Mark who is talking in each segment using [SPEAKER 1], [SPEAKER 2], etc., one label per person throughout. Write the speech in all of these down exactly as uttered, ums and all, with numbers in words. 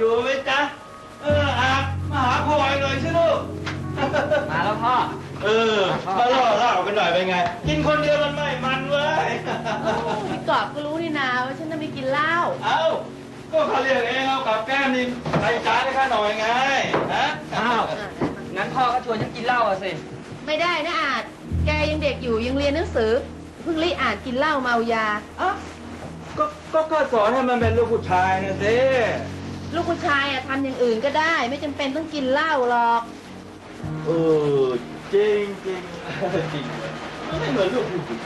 [SPEAKER 1] อยู่ไหมจ๊ะเอออาบมาหาพ่อหน่อยสิลูก
[SPEAKER 2] มาแล้วพ่อ
[SPEAKER 1] เออมาล่อเล่ากันหน่อยเป็นไงกินคนเดียวมันไม่มันเว้ย
[SPEAKER 3] พี่กอบก็รู้นี่นาว่าฉันจะไม่กินเหล้า
[SPEAKER 1] เอ้าก็เขาเรียกเองเอากับแก้มนี่ใส่จานให้ข้าหน่อยไงฮะ
[SPEAKER 2] อ้าวงั้นพ่อก็ชวนฉันกินเหล้าอะสิ
[SPEAKER 3] ไม่ได้นะอาจแกยังเด็กอยู่ยังเรียนหนังสือเพิ่งรีอ่านกินเหล้าเมายา
[SPEAKER 1] อ่ะก็ก็ก็สอนให้มันเป็นลูกผู้ชายนะสิ
[SPEAKER 3] ลูกผู้ชายอะทำอย่างอื่นก็ได้ไม่จำเป็นต้องกินเหล้าหรอก
[SPEAKER 1] เออจริงจริงจริงมันไม่เหมือนลูกผู้หญิง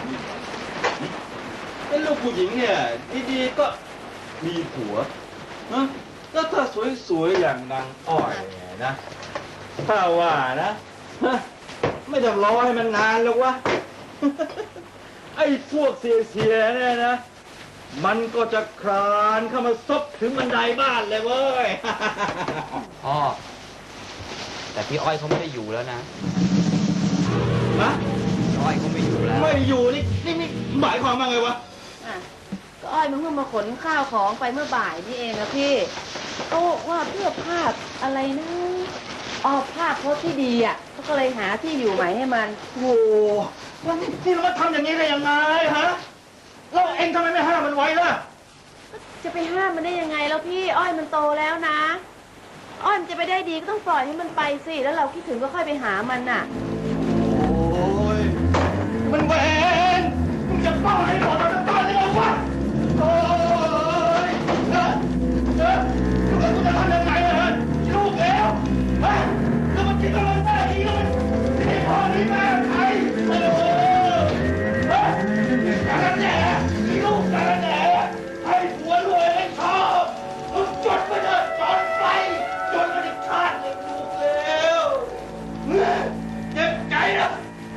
[SPEAKER 1] เป็นลูกผู้หญิงเนี่ยดีๆก็มีผัวนะแล้วถ้าสวยๆอย่างนางอ้อยเนี่ยนะถ้าว่านะไม่ต้องรอให้มันนานหรอกวะไอ้พวกเสียๆเนี่ยนะมันก็จะคลานเข้ามาซบถึงบันไดบ้านเลยเว้ย
[SPEAKER 2] พ่อแต่พี่อ้อยเขาไม่ได้อยู่แล้วนะ
[SPEAKER 1] นะ
[SPEAKER 2] อ้อยเขาไม่อยู่แล้ว
[SPEAKER 1] ไม่อยู่นี่นี่นี่หมายความว่าไงวะ
[SPEAKER 3] อ่ะก็อ้อยมันเพิ่งมาขนข้าวของไปเมื่อบ่ายนี่เองนะพี่ก็ว่าเพื่อภาพอะไรนะอ๋อภาพโพสที่ดีอ่ะเขาก็เลยหาที่อยู่ใหม่ให้มัน
[SPEAKER 1] โอ้แล้วนี่เราทำอย่างนี้ได้ยังไงฮะเราเองทำไมไม่ห้ามมันไว้ล่ะ
[SPEAKER 3] จะไปห้ามมันได้ยังไงแล้วพี่อ้อยมันโตแล้วนะอ้อยมันจะไปได้ดีก็ต้องปล่อยให้มันไปสิแล้วเราคิดถึงก็ค่อยไปหามันน่ะ
[SPEAKER 1] โอ้ยมันเวรมึงจะป้อนให้หมดเราจะป้อนได้หรอวะโอ้ยเฮ้ยเฮ้ยแล้วกูจะทำยังไงล่ะลูกแล้วเฮ้ยแล้วมันคิดว่ามันได้ดีแล้วมันนี่พ่อนี่แม่ใครโอ้โหเฮ้ยการแหน่มีลูกการแหน่ให้ผัวรวยให้ชอบมึงจดไปเถอะจดไปจดมาดิชาติเลยลูกแล้วเจ็บใจนะ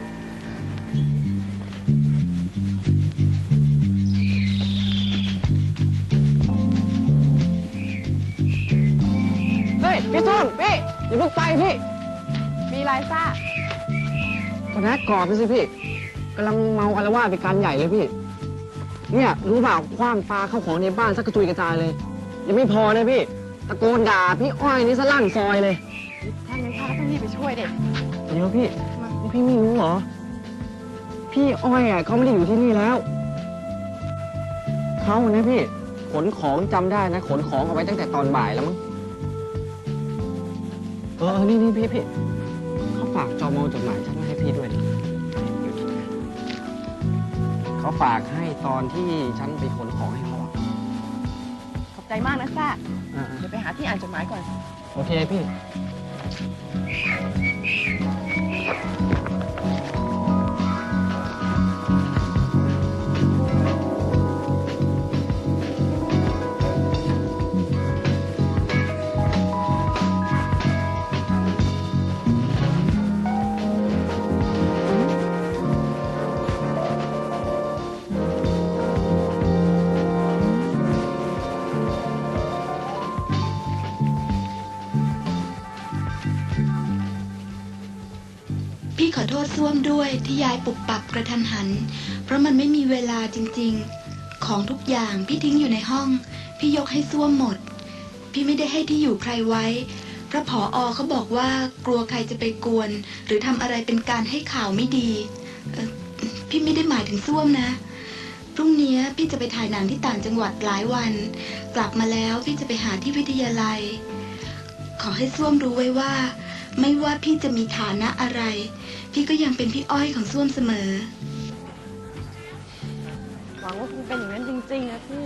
[SPEAKER 4] เฮ้ยพี่ส้มพี่อย่าเพิ่งไปพี่
[SPEAKER 3] มีไรซ่า
[SPEAKER 4] ก็นัดกรอบไปสิพี่กำลังเมาอาละวาดไปการใหญ่เลยพี่เนี่ยรู้เปล่าคว้างปลาเข้าของในบ้านสักกระจุยกระจายเลยยังไม่พอเลยพี่ตะโกนด่าพี่อ้อยนี่ซะลั่นซอยเลย
[SPEAKER 3] ถ้างั้นข้าต้องรีบไปช่วยเด็ก
[SPEAKER 4] เดี๋ยวพี่พี่ไม่รู้เหรอพี่อ้อยอ่ะเขาไม่ได้อยู่ที่นี่แล้วเขาเนี่ยพี่ขนของจำได้นะขนของเอาไว้ตั้งแต่ตอนบ่ายแล้วมั้งเออนี่นี่พี่พี่เขาฝากจอมอจดหมายฉันมาให้พี่ด้วยเขาฝากให้ตอนที่ฉันไปขนของให้เขา
[SPEAKER 3] ขอบใจมากนะซ่าเดี๋ยวไปหาที่อ่านจดหมายก่อน
[SPEAKER 4] โอเคพี่
[SPEAKER 5] พี่ขอโทษส้วมด้วยที่ยายปุบปับกระทันหันเพราะมันไม่มีเวลาจริงๆของทุกอย่างพี่ทิ้งอยู่ในห้องพี่ยกให้ส้วมหมดพี่ไม่ได้ให้ที่อยู่ใครไว้เพราะผอ.เขาบอกว่ากลัวใครจะไปกวนหรือทำอะไรเป็นการให้ข่าวไม่ดีเอ่อพี่ไม่ได้หมายถึงส้วมนะพรุ่งนี้พี่จะไปถ่ายหนังที่ต่างจังหวัดหลายวันกลับมาแล้วพี่จะไปหาที่วิทยาลัยขอให้ส้วมรู้ไว้ว่าไม่ว่าพี่จะมีฐานะอะไรพี่ก็ยังเป็นพี่อ้อยของส้วมเสมอ
[SPEAKER 3] หวังว่าคงเป็นอย่างนั้นจริงๆนะพี่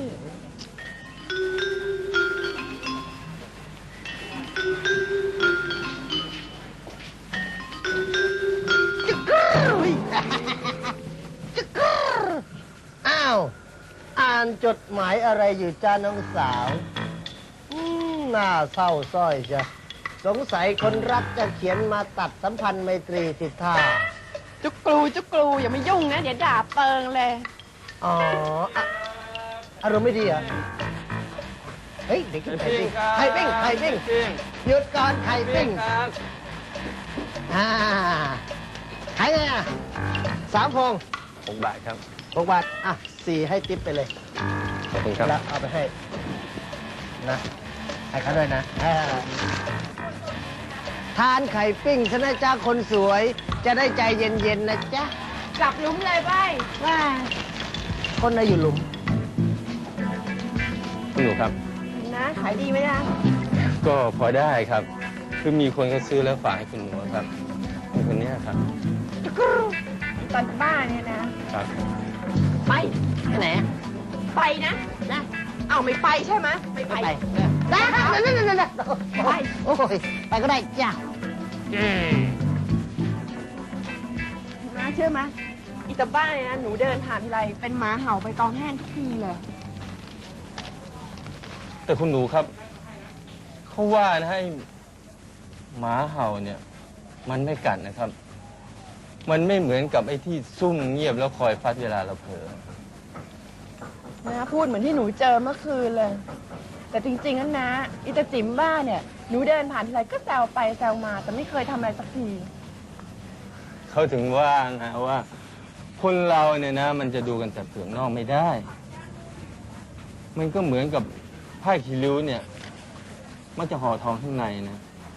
[SPEAKER 6] อ้าวอ่านจดหมายอะไรอยู่จ้าน้องสาวอืมน่าเศร้าส้อยจ้ะสงสัยคนรักจะเขียนมาตัดสัมพันธ์ไมตรีติดท่า
[SPEAKER 3] จุกกลูจุกกลูอย่ามายุ่งนะเดี๋ยวด่าเปิงเลย
[SPEAKER 6] อ๋ออะอารมณ์ไม่ดีเหรอเฮ้ยเด็กกินไข่ปิ้งไข่ปิ้งไข่ปิ้งหยุดก่อนไข่ปิ้งอ่าขายไงอ่ะสามพวง
[SPEAKER 2] หกบาทครับ
[SPEAKER 6] หกบาทอ่ะสี่ให้ติ๊บไปเลย
[SPEAKER 2] ขอบคุณครับ
[SPEAKER 6] แล้วเอาไปให้นะให้เขาด้วยนะเออทานไข่ปิ้งซะนะจ๊ะคนสวย จะได้ใจเย็นๆนะจ๊ะ
[SPEAKER 3] กลับหลุมเลยไป
[SPEAKER 6] ว่าคนน่ะอยู่หลุม
[SPEAKER 2] คุณหนูครับ
[SPEAKER 3] นะ ขายดีไหมนะ
[SPEAKER 2] ก็พอได้ครับ คือมีคนเขาซื้อแล้วฝากให้คุณหนูครับเป็นคนเนี้ยครับ
[SPEAKER 3] ตอนบ้านเนี่ยนะ
[SPEAKER 2] ครับ
[SPEAKER 3] ไป
[SPEAKER 6] ไปไหนอะ
[SPEAKER 3] ไปนะนะเอาไม่ไปใช่ไหมไม่ไป
[SPEAKER 6] ไปได้นั่นนั่นนั่นนั่น
[SPEAKER 3] ไป
[SPEAKER 6] โอ้ยไปก็ได้จ้ะ
[SPEAKER 3] นะเชื่อไหมอีตาบ้านเนี่ยนะหนูเดินผ่านทีไรเป็นหมาเห่าไปตองแห้งทุกทีเลย
[SPEAKER 2] แต่คุณหนูครับเขาว่านะให้หมาเห่าเนี่ย มันไม่กัดนะครับ มันไม่เหมือนกับไอ้ที่ซุ่มเงียบแล้วคอยฟัดเวลาเราเผลอ
[SPEAKER 3] นะพูดเหมือนที่หนูเจอเมื่อคืนเลย แต่จริงๆนั้นนะอีตาจิ๋มบ้านเนี่ยหนูเดินผ่านทีไรก็แซวไปแซวมา แต่ไม่เคยทำอะไรสักที
[SPEAKER 2] เขาถึงว่านะว่า คนเราเนี่ยนะ มันจะดูกันแต่เปลือกนอกไม่ได้ มันก็เหมือนกับผ้าคีริ้วเนี่ย มันจะห่อทองข้างในนะ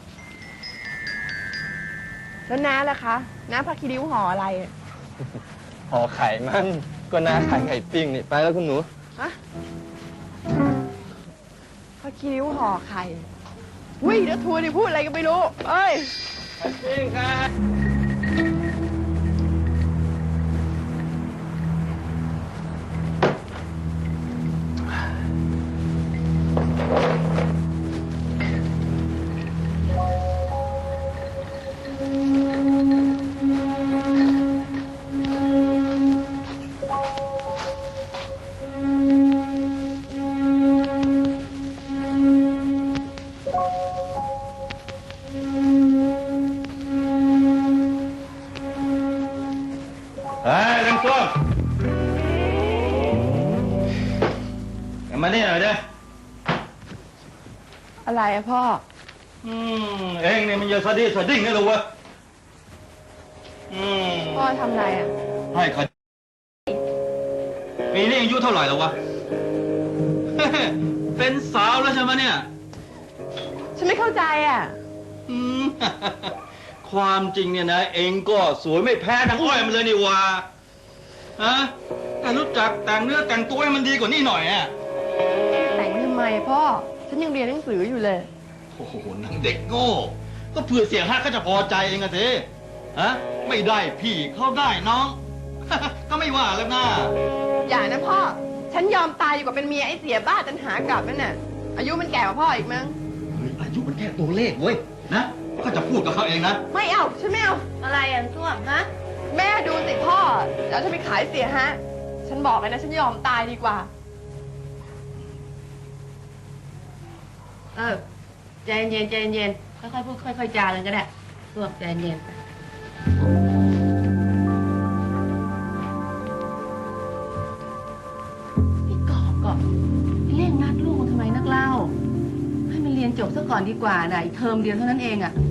[SPEAKER 3] แล้วน้าล่ะคะน้าพาคิริ้วห่ออะไรอะ
[SPEAKER 2] ห่อไข่มันก็น่าขายไข่ปิ้งนี่ไปแล้วคุณหนู
[SPEAKER 3] ฮะพาคิริ้วห่อไข่อุ้ยเดี๋ยวทัวร์ดิพูดอะไรก็ไม่รู้เอ้ย
[SPEAKER 2] ไข่ปิ้งครับ
[SPEAKER 1] เฮ้ยลุงส้มมานี่หน่อยเด้อ
[SPEAKER 3] อะไรอะพ่อ
[SPEAKER 1] อืมเองเนี่ยมันเยอะสะดิ้งสะดิ้งนี่เหรอวะอืม
[SPEAKER 3] พ่อทำอะไรอะ
[SPEAKER 1] ให้เขาปีนี้อายุเท่าไหร่แล้ววะ เป็นสาวแล้วใช่ไหมเนี่ย
[SPEAKER 3] ฉันไม่เข้าใจอะ
[SPEAKER 1] อืม ความจริงเนี่ยนะ เองก็สวยไม่แพ้นางอ้อยมันเลยนี่วะฮะแต่รู้จักแต่งเนื้อแต่งตัวให้มันดีกว่านี้หน่อยอ่ะ
[SPEAKER 3] แต่งทำไมพ่อ ฉันยังเรียนหนังสืออยู่เลย
[SPEAKER 1] โอ้โหนางเด็กโง่ ก็เผื่อเสียงฮักก็จะพอใจเองอะสิฮะ ไม่ได้พี่เข้าได้น้อง ก็ไม่ว่าแล้วนะ
[SPEAKER 3] อย่านะพ่อ ฉันยอมตายดีกว่าเป็นเมียไอ้เสียบ้าจนหากลับนั่นน่ะ อายุมันแก่กว่าพ่ออีกมั้ง
[SPEAKER 1] เฮ้ยอายุมันแค่ตัวเลขเว้ย นะ ก็จะพูดกับเขาเองนะ
[SPEAKER 3] ไม่เอา ฉันไม่เอา อะไรอ่ะส้วมฮะ แม่ดูสิพ่อ เดี๋ยวฉันไปขายเสียฮะ ฉันบอกเลยนะ ฉันยอมตายดีกว่า
[SPEAKER 7] เออใจเย็นใจเย็นค่อยๆพูดค่อยๆจากันก็ได้รวบใจเย็นพี่กอบก็เร่งรัดลูกทำไมนักเล่า ให้มันเรียนจบซะก่อนดีกว่านะอีกเทอมเดียวเท่านั้นเองอะ